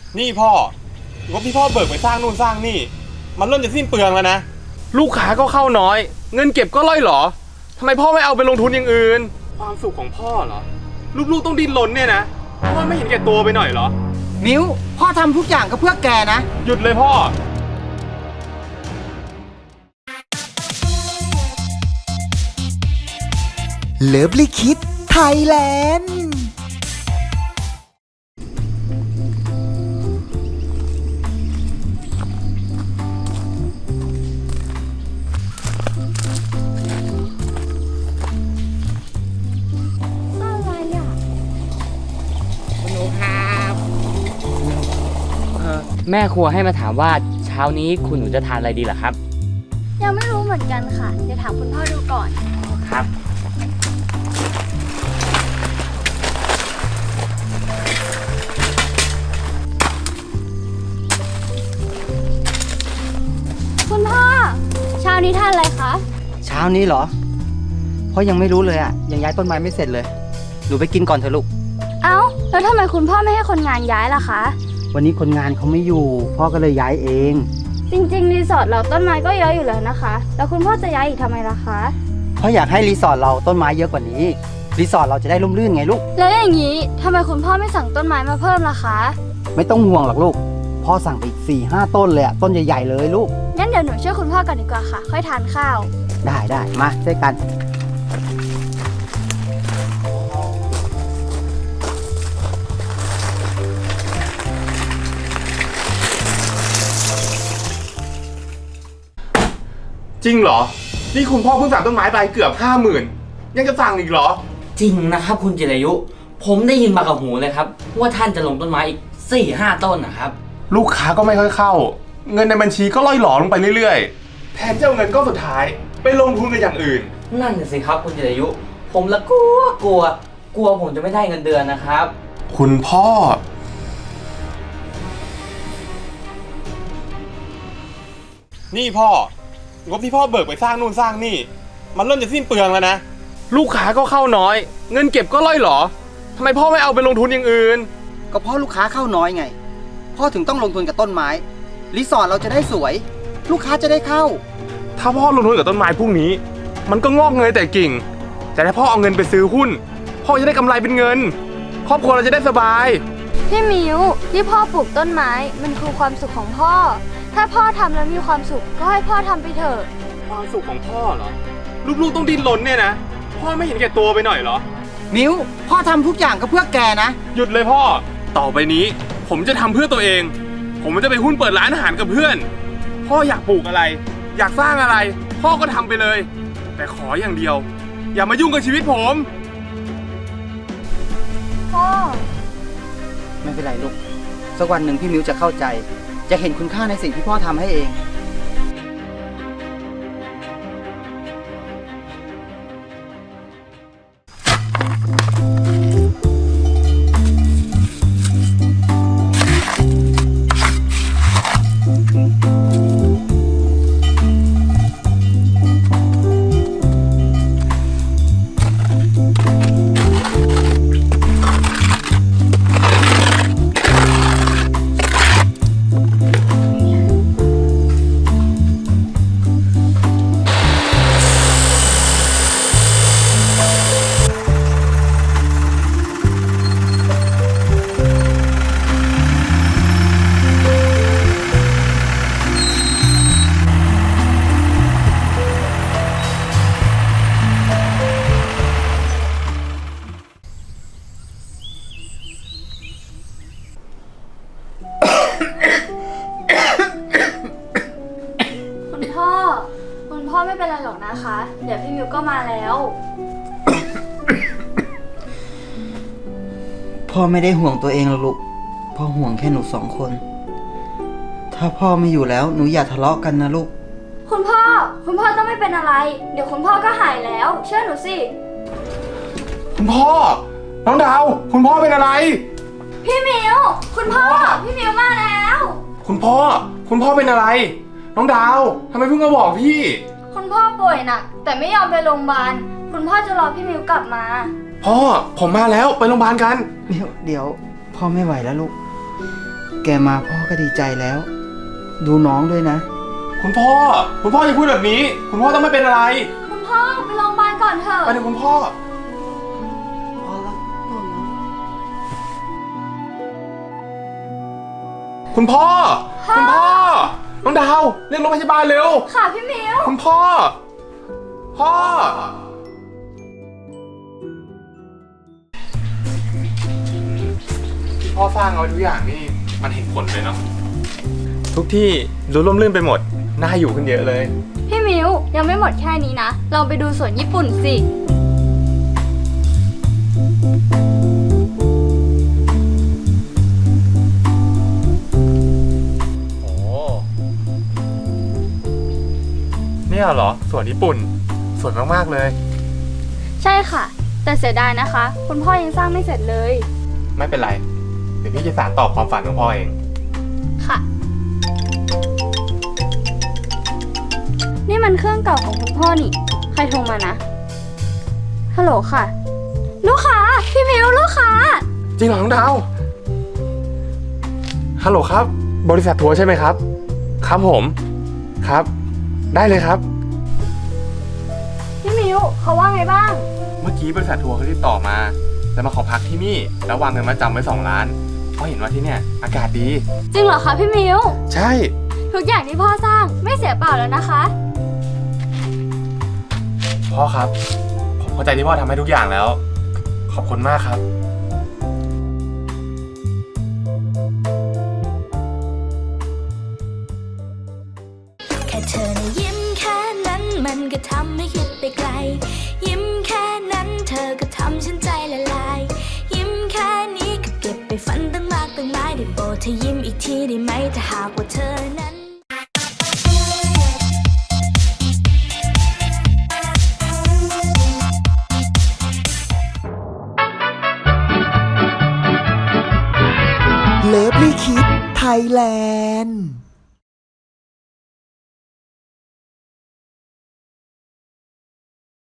นี่พ่องบที่พ่อเบิกไปสร้างนู่นสร้างนี่มันเริ่มจะสิ้นเปลืองแล้วนะลูกค้าก็เข้าน้อยเงินเก็บก็ล่อยหรอทำไมพ่อไม่เอาไปลงทุนอย่างอื่นความสุขของพ่อเหรอลูกๆต้องดิ้นรนเนี่ยนะพ่อไม่เห็นแก่ตัวไปหน่อยเหรอมิวพ่อทำทุกอย่างก็เพื่อแกนะหยุดเลยพ่อเลิฟลิคิดไทยแลนด์แม่ครัวให้มาถามว่าเช้านี้คุณหนูจะทานอะไรดีเหรอครับยังไม่รู้เหมือนกันค่ะเดี๋ยวถามคุณพ่อดูก่อนครับคุณพ่อเช้านี้ทานอะไรคะเช้านี้เหรอพ่อยังไม่รู้เลยอ่ะยังย้ายต้นไม้ไม่เสร็จเลยหนูไปกินก่อนเถอะลูกเอ้าแล้วทำไมคุณพ่อไม่ให้คนงานย้ายล่ะคะวันนี้คนงานเขาไม่อยู่พ่อก็เลยย้ายเองจริงๆรีสอร์ทเราต้นไม้ก็เยอะอยู่แล้วนะคะแล้วคุณพ่อจะย้ายอีกทำไมล่ะคะเพราะอยากให้รีสอร์ทเราต้นไม้เยอะกว่านี้รีสอร์ทเราจะได้ร่มรื่นไงลูกแล้วอย่างนี้ทำไมคุณพ่อไม่สั่งต้นไม้มาเพิ่มล่ะคะไม่ต้องห่วงหรอกลูกพ่อสั่งไปอีก 4-5 ต้นเลยอะต้นใหญ่ๆเลยลูกงั้นเดี๋ยวหนูช่วยคุณพ่อกันดีกว่าค่ะค่อยทานข้าวได้มาช่วยกันจริงเหรอนี่คุณพ่อเพิ่งสั่งต้นไม้ไปเกือบ50,000ยังจะสั่งอีกเหรอจริงนะครับคุณจิรายุผมได้ยินมากับหูเลยครับว่าท่านจะลงต้นไม้อีก 4-5 ต้นนะครับลูกค้าก็ไม่ค่อยเข้าเงินในบัญชีก็ล่อยหลอลงไปเรื่อยๆแทนจะเอาเงินก็สุดท้ายไปลงทุนกับอย่างอื่นนั่นสิครับคุณจิรายุผมละกลัวผมจะไม่ได้เงินเดือนนะครับคุณพ่อนี่พ่องบที่พ่อเบิกไปสร้างนู่นสร้างนี่มันเริ่มจะสิ้นเปลืองแล้วนะลูกค้าก็เข้าน้อยเงินเก็บก็ล่อยหรอทำไมพ่อไม่เอาไปลงทุนอย่างอื่นก็เพราะลูกค้าเข้าน้อยไงพ่อถึงต้องลงทุนกับต้นไม้รีสอร์ทเราจะได้สวยลูกค้าจะได้เข้าถ้าพ่อลงทุนกับต้นไม้พวกนี้มันก็งอกเงยแต่กิ่งแต่ถ้าพ่อเอาเงินไปซื้อหุ้นพ่อจะได้กำไรเป็นเงินครอบครัวเราจะได้สบายพี่มิวที่พ่อปลูกต้นไม้มันคือความสุขของพ่อถ้าพ่อทำแล้วมีความสุขก็ให้พ่อทำไปเถอะความสุขของพ่อเหรอลูกๆต้องดิ้นรนเนี่ยนะพ่อไม่เห็นแก่ตัวไปหน่อยเหรอมิวพ่อทำทุกอย่างก็เพื่อแกนะหยุดเลยพ่อต่อไปนี้ผมจะทำเพื่อตัวเองผมจะไปหุ้นเปิดร้านอาหารกับเพื่อนพ่ออยากปลูกอะไรอยากสร้างอะไรพ่อก็ทำไปเลยแต่ขออย่างเดียวอย่ามายุ่งกับชีวิตผมพ่อไม่เป็นไรลูกสักวันหนึ่งพี่มิวจะเข้าใจจะเห็นคุณค่าในสิ่งที่พ่อทำให้เองคุณพ่อไม่เป็นไรหรอกนะคะเดี๋ยวพี่มิวก็มาแล้วพ่อไม่ได้ห่วงตัวเองหรอกลูกพ่อห่วงแค่หนู2 คนถ้าพ่อไม่อยู่แล้วหนูอย่าทะเลาะกันนะลูกคุณพ่อต้องไม่เป็นอะไรเดี๋ยวคุณพ่อก็หายแล้วเชื่อหนูสิคุณพ่อน้องดาวคุณพ่อเป็นอะไรพี่มิวคุณพ่อพี่มิวมาแล้วคุณพ่อเป็นอะไรน้องดาวทำไมเพิ่งมาบอกพี่คุณพ่อป่วยหนักแต่ไม่ยอมไปโรงพยาบาลคุณพ่อจะรอพี่มิวกลับมาพ่อผมมาแล้วไปโรงพยาบาลกันเดี๋ยวพ่อไม่ไหวแล้วลูกแกมาพ่อก็ดีใจแล้ว ดูน้องด้วยนะคุณพ่ออย่าพูดแบบนี้ คุณพ่อต้องไม่เป็นอะไรคุณพ่อไปโรงพยาบาลก่อนเถอะไปถึงคุณพ่อ คุณพ่อ น้องดาวเรียกรถพยาบาลเร็วค่ะพี่มิวคุณพ่อ พ่อ ที่พ่อสร้างเอาไว้ทุกอย่างนี่มันเห็นผลเลยเนาะ ทุกที่ดูร่มรื่นไปหมด น่าอยู่ขึ้นเยอะเลยพี่มิวยังไม่หมดแค่นี้นะ ลองไปดูสวนญี่ปุ่นสิโอ้เนี่ยเหรอสวนญี่ปุ่น สวยมากๆเลยใช่ค่ะ แต่เสียดายนะคะ คุณพ่อยังสร้างไม่เสร็จเลยไม่เป็นไร เดี๋ยวพี่จะสานต่อความฝันของพ่อเองค่ะ นี่มันเครื่องเก่าของคุณพ่อนี่ ใครโทรมานะ ฮัลโหลค่ะ ลูกค้า พี่มิวลูกค้าจริงเหรอน้องดาว ฮัลโหลครับ บริษัททัวร์ใช่ไหมครับ ครับผม ครับ ได้เลยครับพี่มิวเขาว่าไงบ้างเมื่อกี้บริษัททัวร์เขาติดต่อมาจะมาขอพักที่นี่ แล้ววางเงินมาจำไว้2 ล้าน เพราะเห็นว่าที่เนี่ยอากาศดีจริงเหรอคะพี่มิวใช่ทุกอย่างที่พ่อสร้างไม่เสียเปล่าแล้วนะคะพ่อครับ ผมเข้าใจที่พ่อทำให้ทุกอย่างแล้ว ขอบคุณมากครับแค่เธอนะยิ้มแค่นั้นมันก็ทำให้คิดไปไกล ยิ้มแค่นั้นเธอก็ทำฉันใจละลาย ยิ้มแค่นี้ก็เก็บไปฝันตั้งมากตั้งหลายได้โปรดเธอยิ้มอีกทีได้ไหมถ้าหากว่าเธอนั้นเลิฟลี่คิดไทยแลนด์